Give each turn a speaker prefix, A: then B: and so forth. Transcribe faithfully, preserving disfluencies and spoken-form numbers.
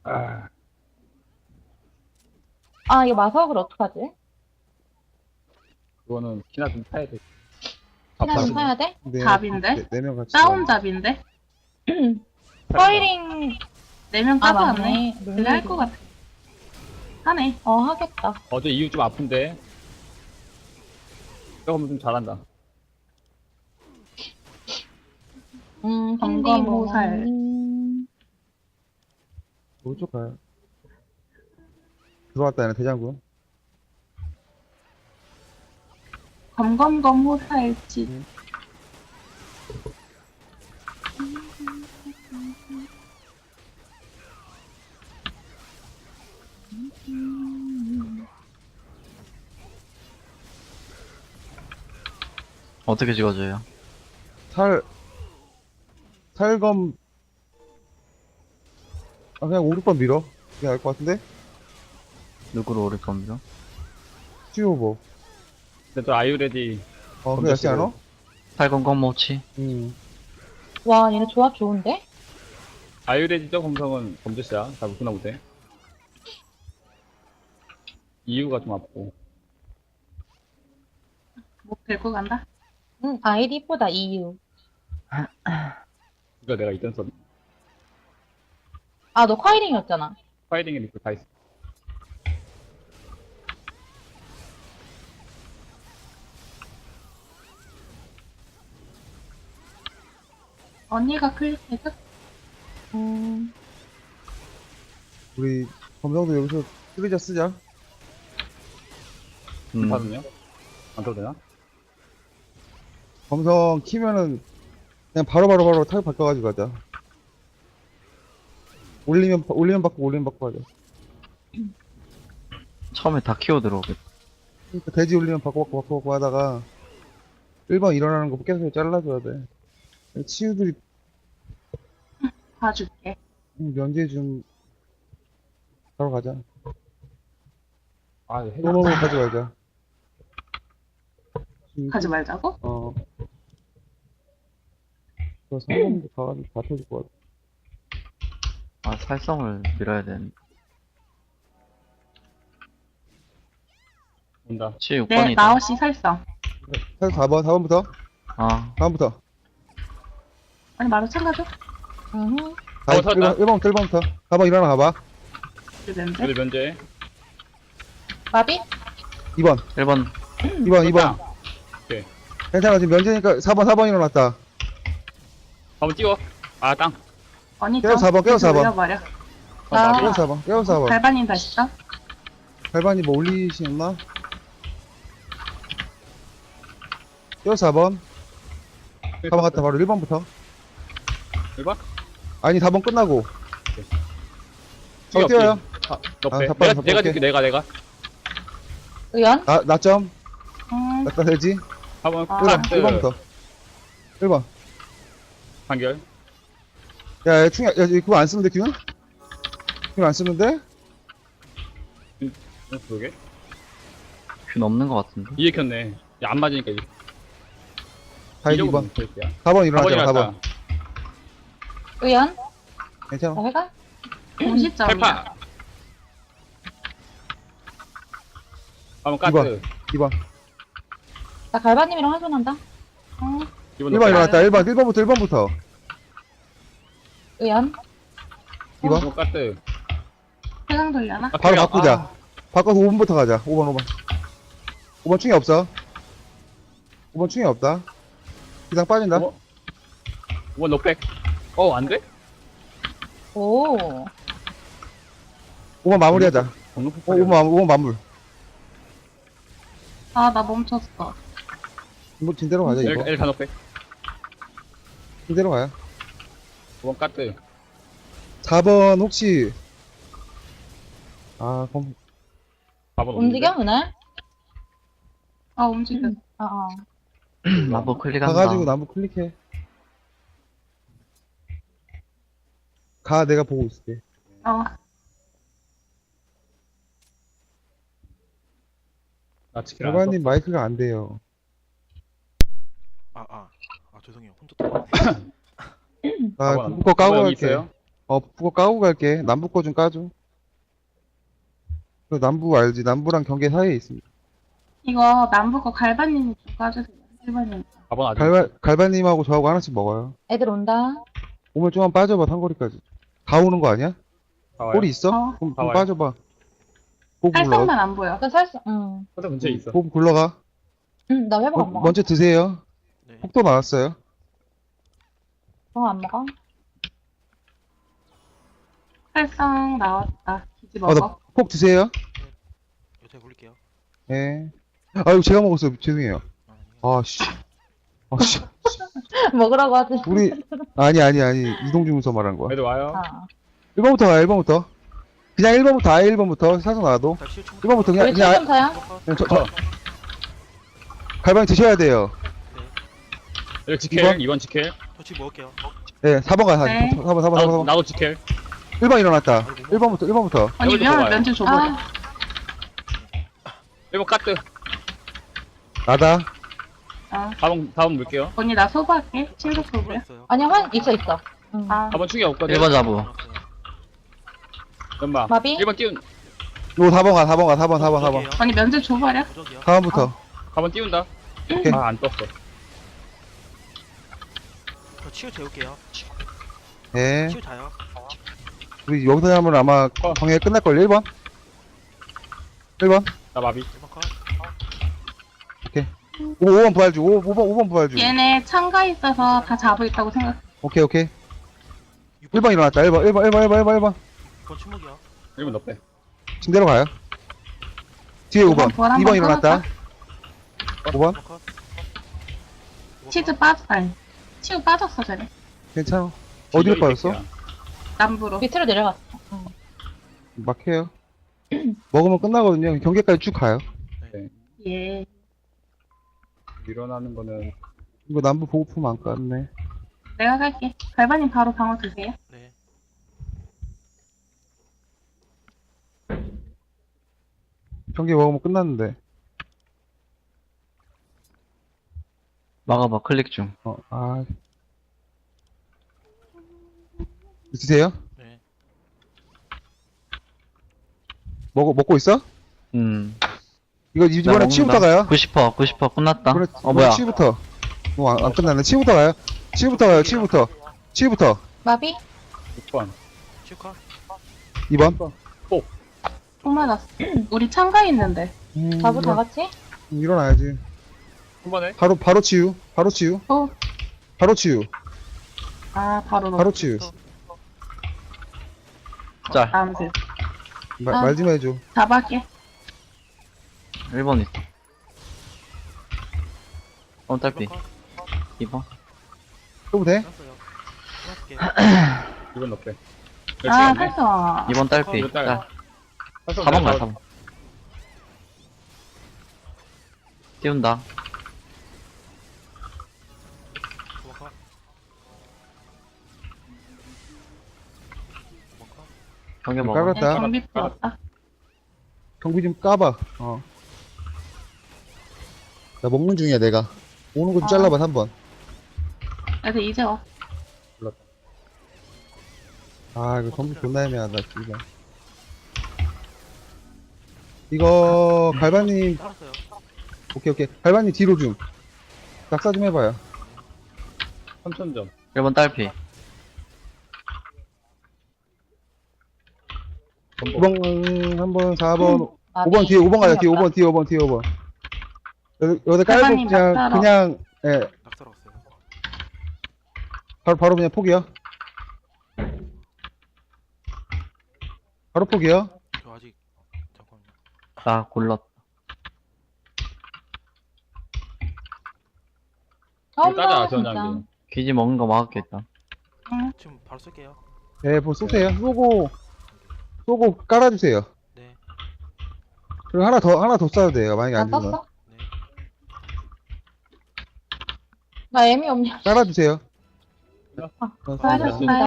A: 아,
B: 아, 이거 마석을 어떡하지?
A: 그거는 키나 좀 타야 돼.
B: 하나 좀
A: 밥하시네.
B: 사야 돼?
C: 네,
D: 답인데?
C: 네, 네명 같이
D: 다운
C: 가요.
D: 답인데?
B: 커이링,
D: 네 명
B: 아,
D: 따도 안 해.
B: 맞네.
D: 그냥 할 것 같아. 하네.
B: 어, 하겠다.
A: 어제 이유 좀 아픈데. 조금 좀 잘한다.
B: 음,
D: 점검모살.
B: 음,
C: 오른쪽 가요. 들어왔다, 얘는 대장군.
D: 검검검 호사일지.
C: 음.
E: 어떻게 찍어줘요?
C: 살, 살검, 아, 그냥 오, 육 번 밀어. 그게 나을 것 같은데?
E: 누구로 오를 겁니다.
C: 찌오버.
A: 근데 또 아유레디.
C: 어, 그게 낫지 않아?
E: 팔건건 모치.
C: 음.
B: 와, 얘네 조합 좋은데?
A: 아유레디죠, 검성은 검드시야. 잘 못구나 보세. 이유가 좀 아프고.
D: 뭐 들고 간다?
B: 응, 아이디 이쁘다, 이유.
A: 이거 내가 있던 선.
B: 아, 너 커이링이었잖아.
A: 파이링에 리플 다 있어.
D: 언니가 클릭해줘?
B: 음,
C: 우리, 검성도 여기서 쓰리자 쓰자.
E: 음,
A: 받으면? 안 써도 되나?
C: 검성 키면은, 그냥 바로바로 바로 타격 바꿔가지고 가자. 올리면, 올리면 받고, 올리면 받고 하자.
E: 처음에 다 키워 들어오겠다.
C: 그러니까 돼지 올리면 바꿔, 바꿔, 바꿔, 바꿔 하다가, 일 번 일어나는 거 계속 잘라줘야 돼. 치유들이
D: 봐줄게.
C: 음, 면제 좀, 바로 가자.
A: 아, 해가.
C: 또노로 가져가자.
D: 가지 말자고?
C: 어. 저 상점도 가가지고 다 터질 것 같아.
E: 아, 살성을 밀어야 되는데.
A: 온다.
E: 치
D: 네,
E: 육 번이다.
D: 나오시 살성.
C: 사 번, 사 번부터?
E: 아,
C: 사 번부터.
D: 아니, 마루 챙겨줘?
B: 음,
C: 다
A: 어, 섰다.
C: 일 번부터, 일 번부터. 사 번 일어나 가봐.
D: 그랬는데?
A: 애들 면제.
B: 마비?
C: 이 번,
E: 일 번.
C: 이 번, 이 번.
A: 섰다. 오케이.
C: 괜찮아, 지금 면제니까 사 번, 사 번 일어났다.
A: 한번 찍어. 아, 땅.
D: 언니
C: 깨워,
D: 좀
C: 사 번, 깨워, 사 번.
D: 올려버려.
A: 아,
B: 아.
A: 나비.
C: 깨워 사 번, 깨워 사 번.
D: 발반인 다시 써?
C: 발반이 뭐 올리시나? 깨워 사 번. 사 번 갔다 바로 일 번부터.
A: 일 번?
C: 아니, 사 번 끝나고.
A: 찍어,
C: 어, 뛰어요.
A: 너
C: 아,
A: 빼.
C: 삽발,
A: 내가,
C: 삽발
A: 내가
C: 올게.
A: 줄게, 내가, 내가.
B: 의연?
C: 나, 나점.
D: 음,
C: 나다 되지?
A: 한번
D: 아.
C: 일 번,
A: 카트.
C: 일 번부터. 일 번.
A: 판결.
C: 야, 야, 충, 야, 야, 그거 안 쓰면 돼, 균? 균안 쓰면 돼?
A: 어, 그러게.
E: 균 없는 것 같은데.
A: 이해 켰네. 야, 안 맞으니까 이게.
C: 다 이 번.
A: 야.
C: 사 번
A: 사
C: 일어나잖아, 사 번.
B: 의연?
C: 괜찮아.
B: 나 회가?
D: 오십 점이야.
A: 팔파. 한번
C: 이
A: 카트.
C: 번. 이 번.
B: 나 갈바님이랑 환전한다.
D: 음,
A: 이번
C: 일 번 일어났다, 일 번. 일 번부터, 일 번부터.
B: 의연?
C: 이 번.
A: 이번 카트.
D: 세상 돌려나?
A: 아,
C: 바로
A: 그래.
C: 바꾸자.
A: 아,
C: 바꿔서 오 번부터 가자. 오 번, 오 번. 오 번 충이 없어. 오 번 충이 없다. 기상 빠진다.
A: 오 번. 이번 넉백. 어, 안 돼?
B: 오.
C: 오 번 마무리하자.
A: 공룡
C: 오,
A: 폭발이야.
C: 오 번, 오 번 마무리.
D: 아, 나 멈췄어.
C: 뭐, 진대로 가자, 이거.
A: 일 가 넉백.
C: 진대로 가요.
A: 이번 카트.
C: 사 번 혹시, 아, 그럼,
A: 사 번
B: 움직여, 은하?
D: 아, 움직여.
B: 아, 아.
E: 마법 클릭한다.
C: 가가지고 나무 클릭해. 가, 내가 보고 있을게.
D: 어,
A: 나 치킨 안 써.
C: 결과님 마이크가 안 돼요.
F: 아, 아, 아, 죄송해요. 혼자 또.
C: 아,
A: 번.
C: 그거 까고
A: 여기
C: 갈게.
A: 있어요?
C: 어, 북거 까고 갈게. 남부 거 좀 까줘. 그 남부 알지? 남부랑 경계 사이에 있습니다.
D: 이거 남부 거 갈바님이 좀 까주세요. 일 번님.
A: 사 번 아직.
C: 갈바, 갈바님하고 저하고 하나씩 먹어요.
B: 애들 온다.
C: 오면 좀만 빠져봐, 상거리까지. 다 오는 거 아니야?
A: 다 와요.
C: 꼬리 있어?
D: 어.
C: 그럼
A: 다
C: 좀
A: 와요.
C: 빠져봐. 보고 굴러가.
D: 살짝만 안 보여.
B: 나 살수, 응.
A: 포탑 근처에 있어.
C: 보고 굴러가.
B: 응, 나 회복 안
C: 어,
B: 먹어.
C: 먼저 드세요.
F: 네.
C: 폭도 나왔어요.
B: 어, 안 먹어?
D: 살상 나왔다. 기지
C: 아,
D: 먹어.
C: 나 폭 드세요.
F: 요새 굴릴게요.
C: 예. 아이고, 제가 먹었어요. 죄송해요.
F: 아,
C: 아, 씨. 아, 씨.
B: 먹으라고 하지.
C: 우리, 아니, 아니, 아니. 이동주 문서 말한 거야.
A: 애들 와요.
B: 아.
C: 일 번부터 가요, 일 번부터. 그냥 일 번부터, 아예 일 번부터. 사서 나와도.
F: 다시 칠
C: 일 번부터 그냥,
B: 우리
C: 그냥,
B: 칠점 사야?
C: 그냥 저, 저. 갈방이 드셔야 돼요.
A: 여기 지켈.
C: 이번?
A: 이 번 지켈.
F: 터치 먹을게요.
C: 예, 사 번 가,
D: 네.
C: 사 번, 사 번, 사 번, 사
A: 나도,
C: 번.
A: 나도 지켈.
C: 일 번 일어났다. 일 번부터, 일 번부터.
D: 언니
A: 여기도
D: 면
A: 먹어요.
D: 면제 줘버려.
B: 아,
A: 일 번 까뜨.
C: 나다.
D: 아.
A: 사 번, 사 번 물게요.
D: 언니 나 소부할게. 친구 소부야.
F: 있어요.
B: 아니야, 환, 있어, 있어. 응.
D: 아.
A: 사 번 충이 없거든.
E: 일 번 자부.
A: 연마.
B: 마비?
A: 일 번 띄운.
C: 요 사 번 가, 사 번 가, 사 번, 사 번, 사 번.
D: 언니 면제 줘버려.
F: 무적이요.
C: 사 번부터.
A: 사 번 띄운다.
C: 오케이.
A: 아, 안 떴어.
F: 저 치유 재울게요.
C: 예.
F: 치유 자요.
C: 우리 여기서 하면 아마
A: 어.
C: 광해 끝날걸. 일 번. 일 번.
A: 나 마비.
F: 일 번 컷.
C: 오 번 부활 주. 오 번, 오 번 부활 주.
D: 얘네 참가 있어서 다 잡고 있다고 생각.
C: 오케이, 오케이. 일 번 일어났다. 일 번, 일 번, 일 번, 일 번, 일 번, 일 번.
F: 육 번 침묵이요.
A: 일 번 넣대.
C: 지금 대로 가요. 뒤에 오 번.
D: 부활
C: 이
D: 한번
C: 번 일어났다. 오 번.
F: 일 번 컷.
D: 치즈 빠져. 아니. 치우 빠졌어 쟤네.
C: 괜찮아. 어디로 빠졌어?
D: 남부로.
B: 밑으로 내려갔어. 응.
C: 막해요. 먹으면 끝나거든요. 경계까지 쭉 가요.
D: 예.
A: 일어나는 거는
C: 이거 남부 보고품 안 깠네.
D: 내가 갈게. 갈바님 바로 방어 드세요.
F: 네.
C: 경계 먹으면 끝났는데.
E: 막아봐, 클릭 중.
C: 어, 아. 드세요?
F: 네.
C: 먹어, 먹고 있어?
E: 음.
C: 이거 이번에 치부터 가요.
E: 구십 퍼센트, 구십 퍼센트 끝났다.
C: 이번에,
E: 어, 뭐야.
C: 치부터. 어, 안, 안 끝났네. 치부터 가요. 치부터 가요. 치부터. 치부터.
B: 마비?
A: 육 번.
F: 치유 컷.
C: 이 번.
D: 똥 맞았어. 우리 참가 있는데.
C: 음,
B: 자부 다
C: 일어나-
B: 같이?
C: 음, 일어나야지.
A: 한 번에.
C: 바로, 바로 치유. 바로 치유.
D: 어.
C: 바로 치유.
D: 아 바로 넣어.
C: 바로 치유.
E: 짤.
D: 다음 들.
C: 마-
B: 아.
C: 말 좀 해줘.
D: 잡아할게.
E: 일 번 있어. 어,
F: 일
E: 딸피.
F: 번 컷.
E: 이 번.
C: 또 돼?
F: 끝났어요. 끝났게.
A: 이 번 넣대.
D: 아 살성.
E: 이 번 딸피.
A: 이거 딸.
E: 짤. 사 번 가요, 사 번. 띄운다.
F: 구 번 컷. 구 번 컷.
E: 경계
C: 좀
E: 먹어.
C: 깔았다.
D: 네, 경비 들어왔다.
C: 경비 좀 까봐. 어. 나 먹는 중이야, 내가. 오는 거 좀
D: 아.
C: 잘라봐, 한 번.
D: 그래서 이제 와.
C: 아, 이거 경비 존나 애매하다, 이거. 이거, 갈바님,
F: 따랐어요.
C: 오케이, 오케이. 갈바님 뒤로 좀. 낙사 좀 해봐요.
A: 삼천 점.
E: 일 번 딸피.
C: 이 번, 한 번, 사 번,
B: 마비.
C: 오 번 뒤에, 오 번 가자, 뒤에 오 번, 뒤에 오 번, 뒤에 오 번. 여기, 여기다 깔고,
D: 갈바님
C: 그냥,
D: 낙사로.
C: 그냥, 예,
F: 낙사로 왔어요.
C: 바로, 바로 그냥 포기요. 바로 포기요.
F: 저 아직 잠깐만요.
E: 나 골랐다.
B: 처음
A: 따자,
B: 봐,
A: 전장기.
B: 진짜.
E: 귀지 먹는 거 막았겠다.
D: 응.
F: 지금 바로 쓸게요.
C: 예, 뭐 쏘세요. 쏘고, 쏘고 깔아주세요.
F: 네.
C: 그리고 하나 더, 하나 더 쏴도 돼요. 만약에 안
B: 나
C: 주면.
B: 떴어?
F: 네.
B: 나 애미 없냐?
C: 깔아주세요.
B: 아,
C: 어,
B: 수고하셨습니다.